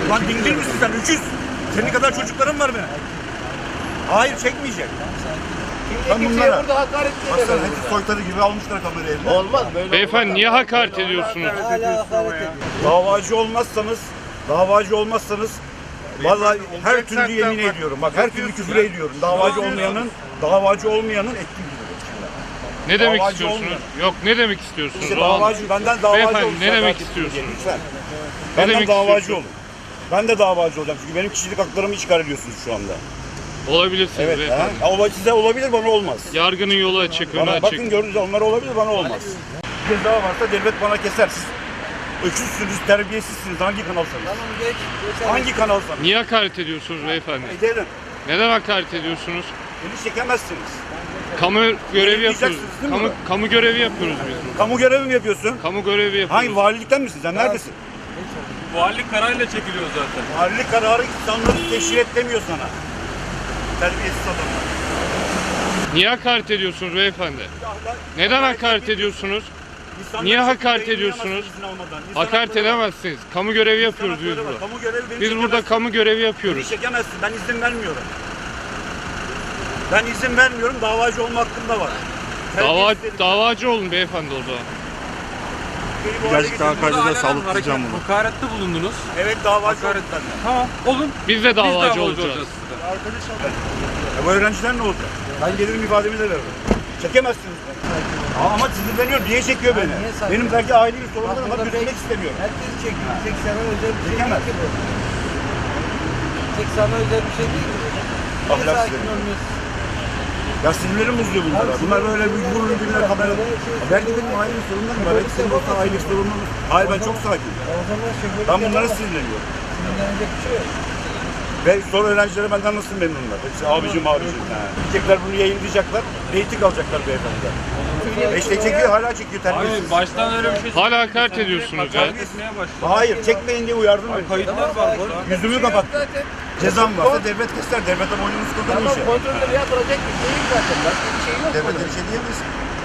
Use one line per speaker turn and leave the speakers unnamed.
Lan dingil misin sen? Öküz. Senin kadar çocukların var benim. Hayır çekmeyecek. Ben bunlara.
Burada hakaret
Baksana hepsi soytarı gibi almışlar kamerayı eline.
olmaz böyle.
Beyefendi niye hakaret ediyorsunuz?
Hala hakaret ediyor.
Davacı olmazsanız vallahi her türlü yemin ediyorum. Bak her türlü küfür ediyorum. Davacı olmayanın ettiği gibi.
Ne demek
Davacı
istiyorsunuz?
olmuyor.
Yok ne demek istiyorsunuz?
İşte
O an-
davacı, benden davacı
Beyefendi,
olun.
ne demek
Sen
istiyorsunuz?
Lütfen.
Ne
Benden
demek
davacı
istiyorsunuz?
olun. Ben de davacı olacağım çünkü benim kişilik haklarımı işgal ediyorsunuz şu anda.
Olabilirsiniz
Evet.
beyefendi.
Size olabilir, bana olmaz.
Yargının yolu açık, önü
Bana, bakın
açık.
gördünüz, onlar olabilir, bana olmaz. Ceza varsa devlet bana keser. Siz öküzsünüz, terbiyesizsiniz. Hangi kanalsanız?
Tamam geç.
Hangi kanalsanız?
Niye hakaret ediyorsunuz beyefendi?
Ederim.
Neden hakaret ediyorsunuz?
Beni çekemezsiniz.
Kamu görevi yapıyoruz.
Yayınlayacaksınız değil mi?
Kamu görevi yapıyoruz biz burada.
Kamu görevi mi yapıyorsun?
Kamu görevi yapıyoruz.
Hangi valilikten misin? Sen neredesin?
Valilik kararıyla çekiliyor zaten.
Valilik kararı insanları teşhir et demiyor sana. Terbiyesiz adamlar.
Niye hakaret ediyorsunuz beyefendi? Neden hakaret ediyorsunuz?
İnsanları
Niye
çekip
hakaret
yayınlayamazsınız
ediyorsunuz?
izin almadan. İnsan
Hakaret
hakları var.
edemezsiniz. Kamu görevi
İnsan
yapıyoruz biz
hakları var.
burada.
Kamu görevi beni
Biz burada
çekemezsin.
kamu görevi
Beni
yapıyoruz.
çekemezsin. Ben izin vermiyorum. Ben izin vermiyorum. Davacı olma hakkım da var.
Davacı olun beyefendi o zaman.
Gerçekten
Hakkari'de sağlıklayacağım bunu. Hakarette bulundunuz.
Evet davacı oldum ben de.
Tamam olun.
Biz de davacı
olacağız
olacağız.
size.
Bu öğrenciler ne olacak? Ben gelirim ifademi de veririm. Çekemezsiniz beni. Ama sinirleniyor. Niye çekiyor beni?
niye saygı-
Benim belki ailevi sorunlarım var.
burada
Gözükmek
belki-
istemiyorum.
Herkes çekiyor. Tek sana özel bir şey
Çekemez.
değil ki bu. Tek sana özel bir şey değil ki bu. Niye
Ahlaksız
sakin
herif.
olmuyorsun?
Ya sinirlerim bozuyor bunlara. Bunlar böyle bir vurur birbirine kamera. Belki benim ailevi sorunlarım var. Belki senin olsa ailevi sorunlarım var. Hayır ben çok sakinim.
O zaman şoförlük
Ben bunlara
yapamaz.
sinirleniyorum.
Sinirlenecek bir şey yok.
Ve sonra öğrencileri benden nasıl memnunlar? Hepsi abicim. Diyecekler bunu yayınlayacaklar. Reyting alacaklar beyefendi. İşte çekiyor hala çekiyor terbiyesiz.
Hayır baştan öyle bir şey
Hala hakaret ediyorsunuz ya.
Hakaret etmeye başladı.
Hayır çekmeyin diye uyardım beni.
Kayıtlar var burada.
Yüzümü kapattı. Cezam varsa devlet keser. Devlete boynumuz kadar
Tamam
işe.
kontrolleri yapılacak bir şey yok zaten. Başka bir şey yok.
Devlete
burada.
bir şey diyemeyiz.